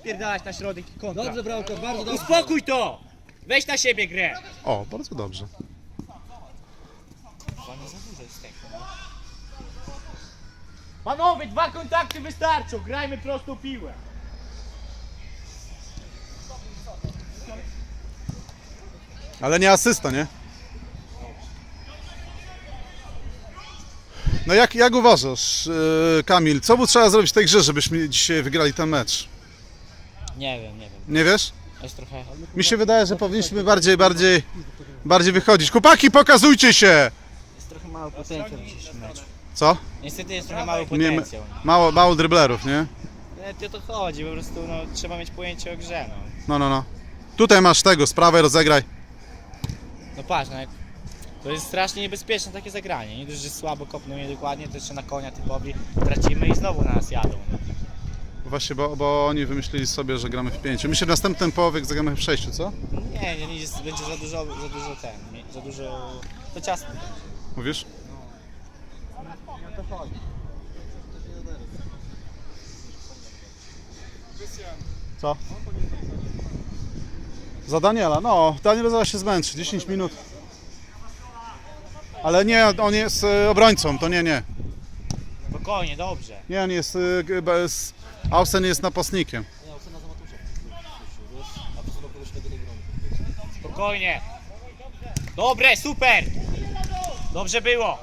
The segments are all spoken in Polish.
Pierdalać na środek i kontra. Dobrze, Bramko, bardzo dobrze. Uspokój to! Weź na siebie grę! O, bardzo dobrze. Panowie, 2 kontakty wystarczą, grajmy prostą piłę. Ale nie asysta, nie? No jak uważasz, Kamil, co by trzeba zrobić w tej grze, żebyśmy dzisiaj wygrali ten mecz? Nie wiem. Nie wiesz? Jest trochę... Mi się wydaje, że powinniśmy bardziej wychodzić. Chłopaki, pokazujcie się! Jest trochę mały potencjał w dzisiejszym meczu. Co? Niestety jest trochę mały potencjał. Mało driblerów, nie? Nie o to chodzi, po prostu no, trzeba mieć pojęcie o grze, no. No. Tutaj masz tego, z prawej rozegraj. No patrz, no, to jest strasznie niebezpieczne takie zagranie. Nie dość, że słabo kopną niedokładnie, to jeszcze na konia typowi tracimy i znowu na nas jadą. No. Właśnie, bo oni wymyślili sobie, że gramy w 5. My się w następnym połowie zagramy w 6, co? Nie, będzie za dużo, to ciasno. Mówisz? Co? Za Daniela, no, Daniel zaraz się zmęczy, 10 minut. Ale nie, on jest obrońcą, to nie. Spokojnie, dobrze. Nie, on jest, Ausen jest napastnikiem. Spokojnie. Dobre, super. Dobrze było.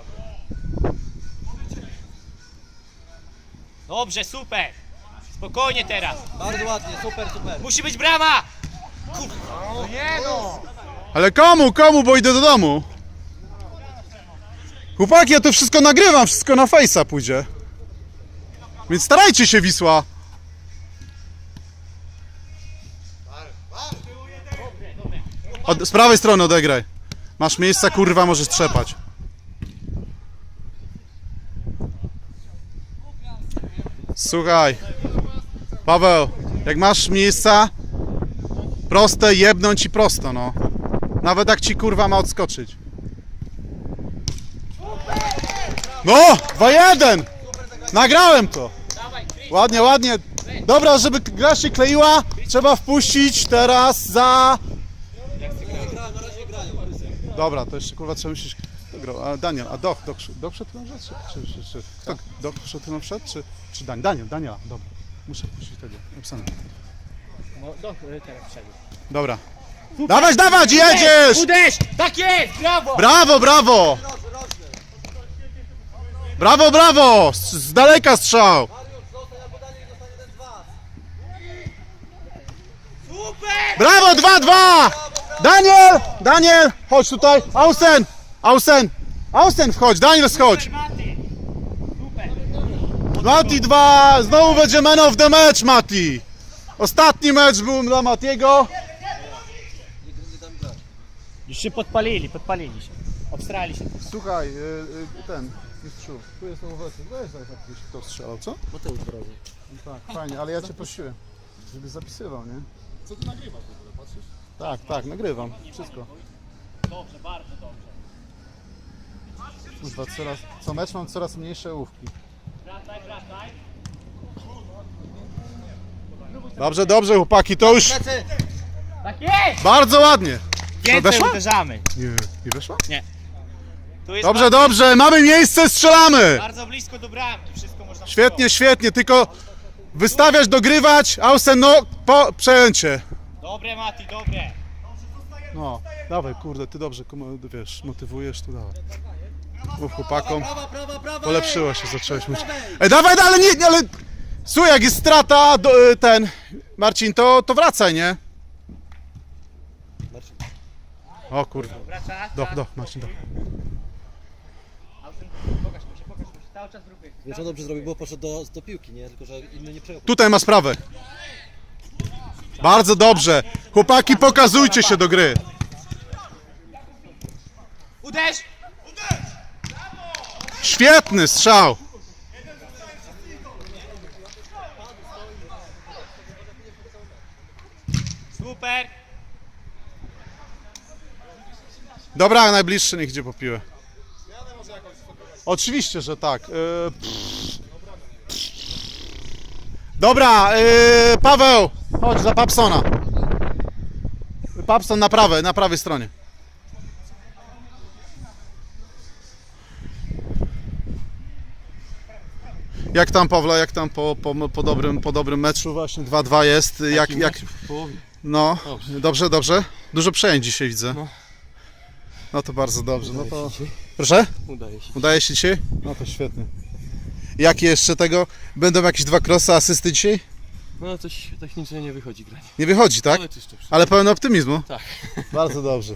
Dobrze, super. Spokojnie teraz. Bardzo ładnie, super. Musi być brama. Kurwa. No nie no. Ale komu, bo idę do domu. Chłopaki, ja to wszystko nagrywam, wszystko na Face'a pójdzie. Więc starajcie się, Wisła. Z prawej strony odegraj. Masz miejsca, kurwa, możesz trzepać. Słuchaj, Paweł, jak masz miejsca proste, jebnąć i prosto, no. Nawet jak ci kurwa ma odskoczyć. No! 2-1! Nagrałem to! Ładnie. Dobra, żeby gra się kleiła, trzeba wpuścić teraz za... Dobra, to jeszcze kurwa trzeba myśleć... A Daniel, a Doch wszedł na rzecz? Czy kto? Doch wszedł na wszedł? Czy Daniela, dobra. Muszę wpuścić tego, napisane. No, teraz wszedł. Dobra. Dawać, jedziesz! Uderz! Tak jest! Brawo! Brawo! Z daleka strzał! Super! Brawo, 2-2! Daniel, chodź tutaj. Ausen, wchodź, Daniel, schodź. Super! Mati 2, znowu będzie man of the match, Mati. Ostatni mecz był dla Matiego. Już się podpalili się. Obstrali się. Słuchaj, mistrzu, tu jest obecny. Weź jakiś kto strzelał, co? Mateusz Brozy. Tak, fajnie, ale ja cię prosiłem, żebyś zapisywał, nie? Co ty nagrywasz w ogóle, patrzysz? Tak, nagrywam, wszystko. Dobrze, bardzo dobrze. Kurwa, co mecz mam coraz mniejsze ołówki. Wracaj. Dobrze, chłopaki, to już Tak jest! bardzo ładnie. Więcej weszła? uderzamy. Nie weszła? Tu jest Dobrze, mamy miejsce, strzelamy! bardzo blisko do bramki. Wszystko można Świetnie, tylko wystawiać, dogrywać, Ausen, no, przejęcie. Dobre, Mati, dobre. No, dawaj, kurde, ty dobrze, wiesz, motywujesz, tu dawaj. Mów chłopakom, Prawa! polepszyło się, zacząłeś mówić. Dawaj, ale... Słuchaj, jak jest strata, Marcin, to wracaj, nie? O kurwa. Wraca. Marcin, Pokaż mu się. Cały czas w ruchy. Wiesz, on dobrze zrobił, bo poszedł do piłki, nie? Tylko, że inny nie przejął. Tutaj ma sprawę. Bardzo dobrze. Chłopaki, pokazujcie się do gry. Uderz! Świetny strzał. Super! Dobra, najbliższy niech idzie po piłę. Oczywiście, że tak. Dobra, Paweł, chodź za Papsona. Papson na prawej stronie. Jak tam, Pawle, jak tam po dobrym meczu właśnie 2-2 jest, jak... W połowie. No, dobrze, dobrze. Dużo przejęć dzisiaj widzę. No. No to bardzo dobrze. No to... Proszę? Udaje się. Udaje się dzisiaj? No to świetnie. Jakie jeszcze tego? Będą jakieś 2 crossy, asysty dzisiaj? No coś technicznie nie wychodzi grać. Nie wychodzi, tak? Ale czyszczę. Ale pełen optymizmu? Tak. Bardzo dobrze.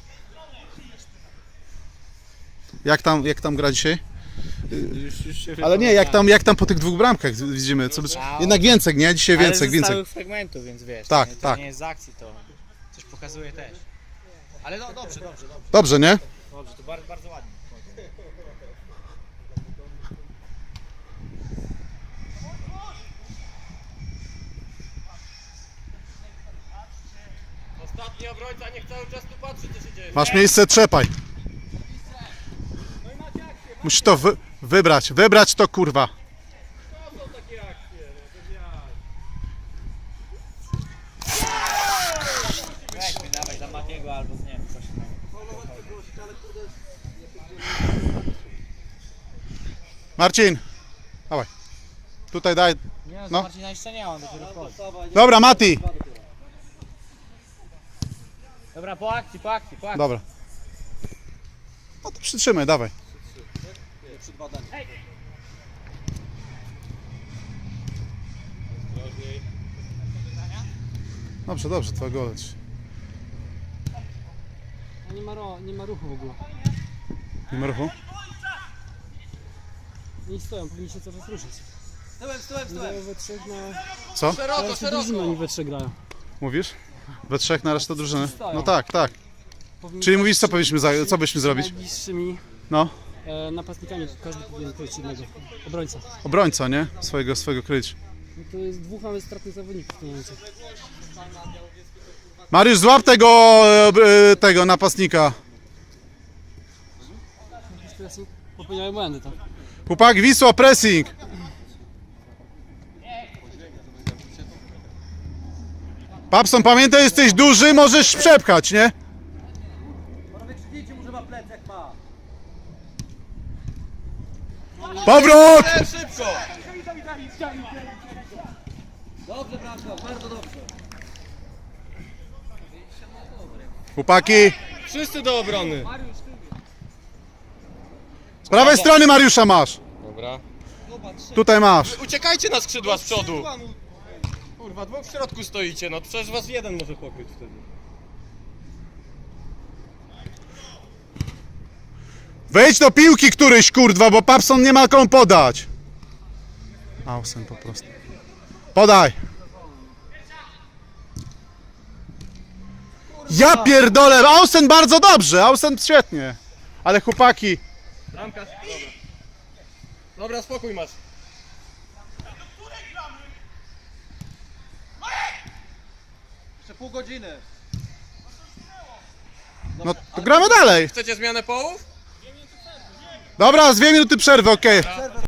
Jak tam gra dzisiaj? Już się Ale nie, jak tam po tych 2 bramkach widzimy? Jednak więcej, nie? Dzisiaj Ale więcej, ze więcej. stałych fragmentów, więc wiesz, Tak, to tak. nie jest z akcji, to coś pokazuje też. Ale no dobrze. Dobrze, nie? Dobrze, to bardzo, bardzo ładnie. Ostatni obrońca niech cały czas tu patrzy, co się dzieje. Masz miejsce, trzepaj. Musisz to wybrać to, kurwa. Weź mi dawaj za Matiego albo nie wiem, coś tam. Marcin, dawaj. Tutaj daj. Nie no, No. Marcina jeszcze nie, on dopiero wchodzi. Dobra, Mati. Dobra, po akcji. Dobra. No to przytrzymaj, dawaj. Dobrze, twoja goleć. Nie ma ruchu w ogóle. Nie ma ruchu? Nie stoją, powinni się cały czas ruszyć. Stołem. Grają we trzech na... Co? Teraz drużyny oni we trzech grają. Mówisz? We 3 na resztę drużyny? Stoją. No tak. Powinni Czyli grać mówisz, z co byśmy zrobić? najbliższymi No, napastnikami, każdy powinien kryć jednego. Obrońca. obrońca, nie? Swojego kryć. No to jest 2 mamy stratnych zawodników w tym momencie. Mariusz, złap tego napastnika. Teraz popełniają błędy, tak? Chłopak, Wisła, pressing. Papson, pamiętaj, jesteś duży, możesz przepchać, nie? Wykrzyknijcie mu, że ma plec jak ma. Powrót! Szybko! Dobrze, Bramka, bardzo dobrze. Chłopaki, Wszyscy do obrony. z prawej strony Mariusza masz. Dobra. Tutaj masz. Uciekajcie na skrzydła z przodu. Kurwa, 2 w środku stoicie, no przecież was jeden może pokryć wtedy. Wejdź do piłki któryś, kurwa, bo Papson nie ma komu podać. Ausen po prostu. Podaj. Ja pierdolę, Ausen bardzo dobrze, Ausen świetnie. Ale chłopaki, Bramka, dobra. Dobra, spokój masz. Jeszcze pół godziny. no to gramy dalej. Chcecie zmianę połów? Dobra, z 2 minuty przerwy, okej.